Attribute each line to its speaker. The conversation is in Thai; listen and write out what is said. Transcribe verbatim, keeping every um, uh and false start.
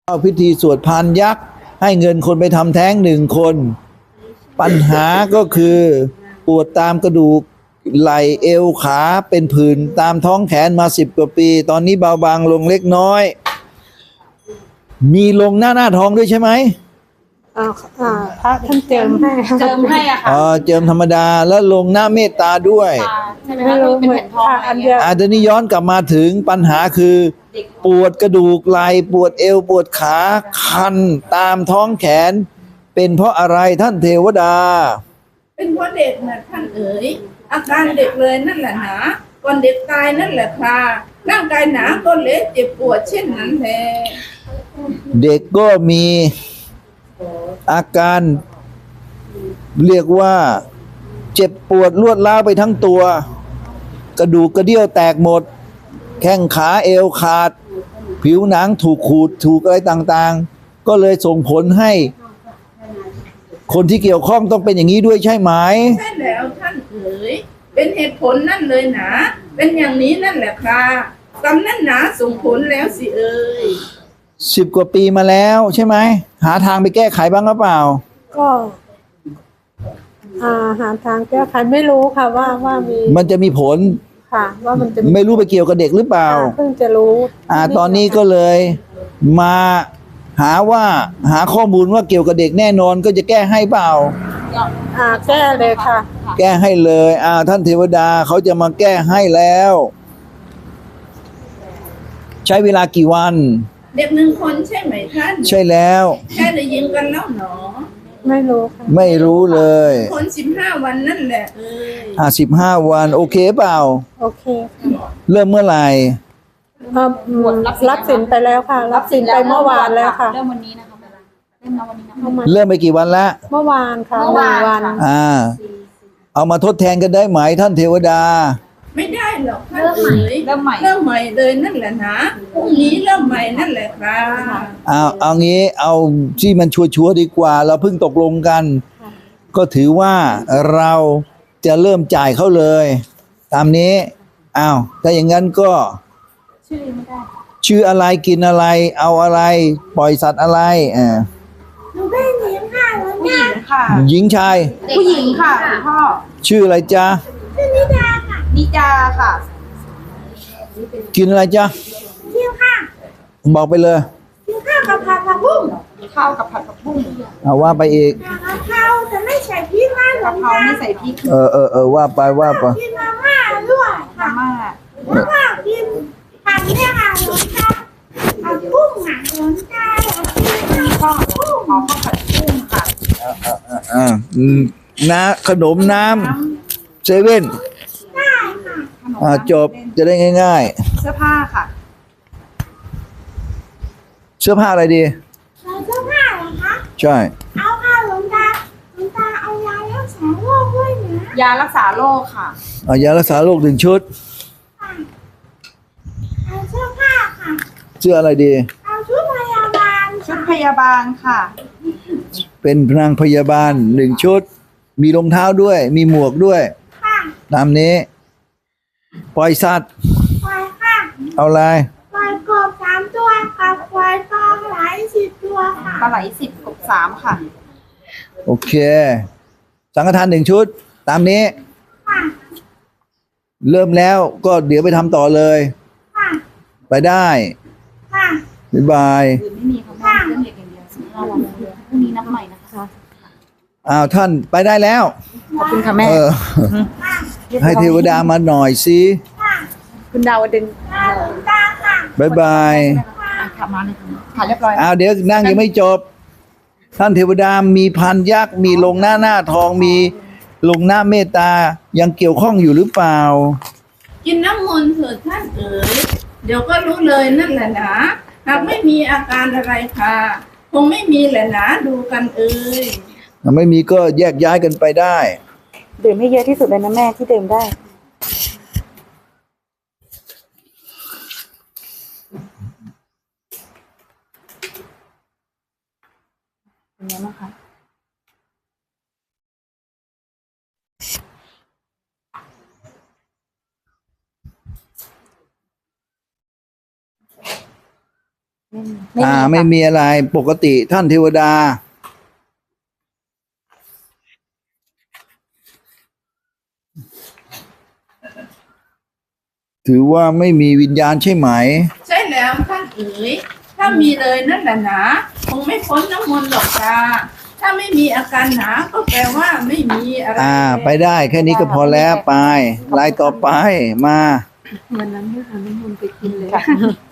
Speaker 1: เข้าพิธีสวดพานยักษ์ให้เงินคนไปทำแท้งหนึ่งคนปัญหาก็คือปวดตามกระดูกไหล่เอวขาเป็นผื่นตามท้องแขนมาสิบกว่าปีตอนนี้เบาบางลงเล็กน้อยมีลงหน้าหน้าท้องด้วยใช่ไหม
Speaker 2: อ่าอ่าพระท่านเจิมให้
Speaker 3: เจิมให้อ่ะค่ะ
Speaker 1: อ๋อเจิมธรรมดาแล้วลงหน้าเมตตาด้วย
Speaker 3: ใช่ไหมคะเป็นแผ่นทองอะไรอย่างเงี้ย
Speaker 1: อาจจะนี้ย้อนกลับมาถึงปัญหาคือปวดกระดูกไหล่ปวดเอวปวดขาคันตามท้องแขนเป็นเพราะอะไรท่านเทวดา
Speaker 4: เป็นเพราะเด็กนะท่านเอ๋ยอาการเด็กเลยนั่นแหละหนาก่อนเด็กตายนั่นแหละค่ะร่างกายหนาก็เละเจ็บปวดเช่นนั้นแหละ
Speaker 1: เด็กก็มีอาการเรียกว่าเจ็บปวดรวดร้าวไปทั้งตัวกระดูกกระเดี่ยวแตกหมดแข้งขาเอวขาดผิวหนังถูกขูดถูกอะไรต่างๆก็เลยส่งผลให้คนที่เกี่ยวข้องต้องเป็นอย่างนี้ด้วยใช่ไหม
Speaker 4: ใช่แล้วท่านเอ๋ยเป็นเหตุผลนั่นเลยหนาเป็นอย่างนี้นั่นแหละค่ะกรรมนั่นหนาส่งผลแล้วสิเอ๋ย
Speaker 1: สิบกว่าปีมาแล้วใช่ไหมหาทางไปแก้ไขบ้างหรือเปล่า
Speaker 2: ก็อ่าหาทางแก้ไขไม่รู้ค่ะว่าว่ามี
Speaker 1: มันจะมีผล
Speaker 2: ค่ะว่ามันจะ
Speaker 1: ไม่รู้ไปเกี่ยวกับเด็กหรือเปล่า
Speaker 2: เพิ่งจะรู้
Speaker 1: อ่าตอนนี้ก็เลยมาหาว่าหาข้อมูลว่าเกี่ยวกับเด็กแน่นอนก็จะแก้ให้เปล่า
Speaker 2: อ่าแก้เลยค่ะ
Speaker 1: แก้ให้เลยอ่าท่านเทวดาเขาจะมาแก้ให้แล้วใช้เวลากี่วัน
Speaker 4: เด็กหนึ่งคนใช่ไหมท่าน
Speaker 1: ใช่แล้ว
Speaker 4: แค่ได้ยินกันแล้วหนอ
Speaker 2: ไม่รู้ค่ะ
Speaker 1: ไม่รู้เลย
Speaker 4: คนสิบห้าวันนั่นแหละเอ้ย
Speaker 1: อ่าสิบห้าวันโอเคเปล่า
Speaker 2: โอเคค่ะ
Speaker 1: เริ่มเมื่อไหร่
Speaker 2: รับสินไปแล้วค่ะรับสินไปเมื่อวานแล้วค่ะ
Speaker 3: เริ่มวันนี้นะคะเริ่มวันนี้นะ
Speaker 1: เริ่มไปกี่วันละ
Speaker 2: เมื่อวานค่ะ
Speaker 3: เมื่อวาน
Speaker 1: อ่าเอามาทดแทนกันได้ไหมท่านเทวดา
Speaker 4: ไม่ได้หรอกท่านเอ๋ยเริ่มใหม่เริ่มใหม่เลยนั่นแหละนะพรุ่งนี้เริ่มใหม่นั่นแหละครับ
Speaker 1: เอาเอางี้เอาที่มันชัวร์ๆดีกว่าเราเพิ่งตกลงกันก็ถือว่าเราจะเริ่มจ่ายเขาเลยตามนี้อ้าวถ้าอย่างนั้นก็
Speaker 3: ชื่อไม่ได้
Speaker 1: ชื่ออะไรกินอะไรเอาอะไรปล่อยสัตว์อะไรอ่า
Speaker 4: หนูเป็นหญิงค่ะ
Speaker 3: ผู้หญิงค่ะ
Speaker 1: หญิงชาย
Speaker 3: ผู้หญิงค่ะพ่อ
Speaker 1: ชื่ออะไรจ๊ะ
Speaker 4: ชื่อนิดาค่ะ
Speaker 3: นิดาค่ะ
Speaker 1: กินอะไรจ๊ะ
Speaker 4: กินค่ะ
Speaker 1: บอกไปเลย
Speaker 4: กินข้าวกับผัดผักบุ้ง
Speaker 3: ข้าวกับผัดผักบุ้ง
Speaker 1: เอาว่าไปอีก
Speaker 4: กะเพราแต่ไม่ใส่พริกนะ
Speaker 3: กะเพราไม่ใส่พริก
Speaker 1: เออเออเออว่าไปว่าไป
Speaker 4: กินมาม่าด้วย
Speaker 3: มาม่า
Speaker 4: แล้วก็กินผัดเนี่ยค่ะหลวงตาผัดกุ้งอ่ะหลวงตากินข้าวกุ้ง
Speaker 3: ขอข้าวผัดกุ้งค่ะ
Speaker 1: อ่าอ่าอ่าน้ำขนมน้ำเซเว่น
Speaker 4: ได้ค่ะ
Speaker 1: อ่าจบจะได้ง่าย
Speaker 3: ๆเสื้อผ้าค่ะ
Speaker 1: เสื้อผ้าอะไรดี
Speaker 4: เสื้อผ้าเหรอคะ
Speaker 1: ใช่
Speaker 4: เอาค่ะหลวงตาหลวงตาเอายารักษาโรคด้วยนะ
Speaker 3: ยารักษาโรคค่ะ
Speaker 1: เอายารักษาโรคหนึ่งชุด
Speaker 4: เอาเสื้อผ้าค่ะ
Speaker 1: เสื้ออะไรดี
Speaker 4: เอาชุดพยาบาล
Speaker 3: ชุดพยาบาลค่ะ
Speaker 1: เป็นนางพยาบาลหนึ่งชุดมีรองเท้าด้วยมีหมวกด้วย
Speaker 4: ค่ะ
Speaker 1: ตามนี้ปล่อยสัตว์
Speaker 4: ปล่อยค่ะ
Speaker 1: เอาอะไร
Speaker 4: ปล่อยกบสามตัวกับปล่อยปลาไหลสิบตัวค่ะ
Speaker 3: ปลาไหลสิบกบสามค่ะ
Speaker 1: โอเคสังฆทานหนึ่งชุดตามนี้
Speaker 4: ค่ะ
Speaker 1: เริ่มแล้วก็เดี๋ยวไปทำต่อเลย
Speaker 4: ค่ะ
Speaker 1: ไปได้
Speaker 4: ค่ะ
Speaker 1: บ๊ายบาย
Speaker 3: ไม่มีค่ะเรื่องเด็กอย่างเดียวสิบห้าวันพรุ่งนี้นับใหม่นะคะ
Speaker 1: อ้าวท่านไปได้แล้ว
Speaker 3: ขอบคุณค่ะแม่
Speaker 1: ให้เทวดามาหน่อยสิ
Speaker 3: คุณดาวดึง
Speaker 1: บายบาย
Speaker 3: ขับมาเลยค่ะเรียบร้อย
Speaker 1: อ้าวเดี๋ยวนั่งยังไม่จบท่านเทวดามีพันยักษ์มีลงหน้าหน้าทองมีลงหน้าเมตตายังเกี่ยวข้องอยู่หรือเปล่า
Speaker 4: กินน้ำมนต์เถิดท่านเอ๋ยเดี๋ยวก็รู้เลยนั่นแหละนะหากไม่มีอาการอะไรค่ะคงไม่มีแหละนะดูกันเอ๋ย
Speaker 1: ถ้าไม่มีก็แยกย้ายกันไปได้
Speaker 2: ดื่มให้เยอะที่สุดเลยนะแม่ที่ดื่มได้
Speaker 3: เป็นไงบ้างคะ
Speaker 1: อ่า ไม่มีอะไรปกติท่านเทวดา ถือว่าไม่มีวิญญาณใช่ไหม
Speaker 4: ใช่แล้วท่านเอ๋ยถ้ามีเลยนั่นแหละนะคงไม่พ้นน้ำมนต์หรอกจ้าถ้าไม่มีอาการหนาก็แปลว่าไม่มีอะไร
Speaker 1: อ่า ไปได้แค่นี้ก็พอแล้วไปลายต่อไปมา
Speaker 2: วันนั้นให้เอาน้ำมันต์ไปกินเลย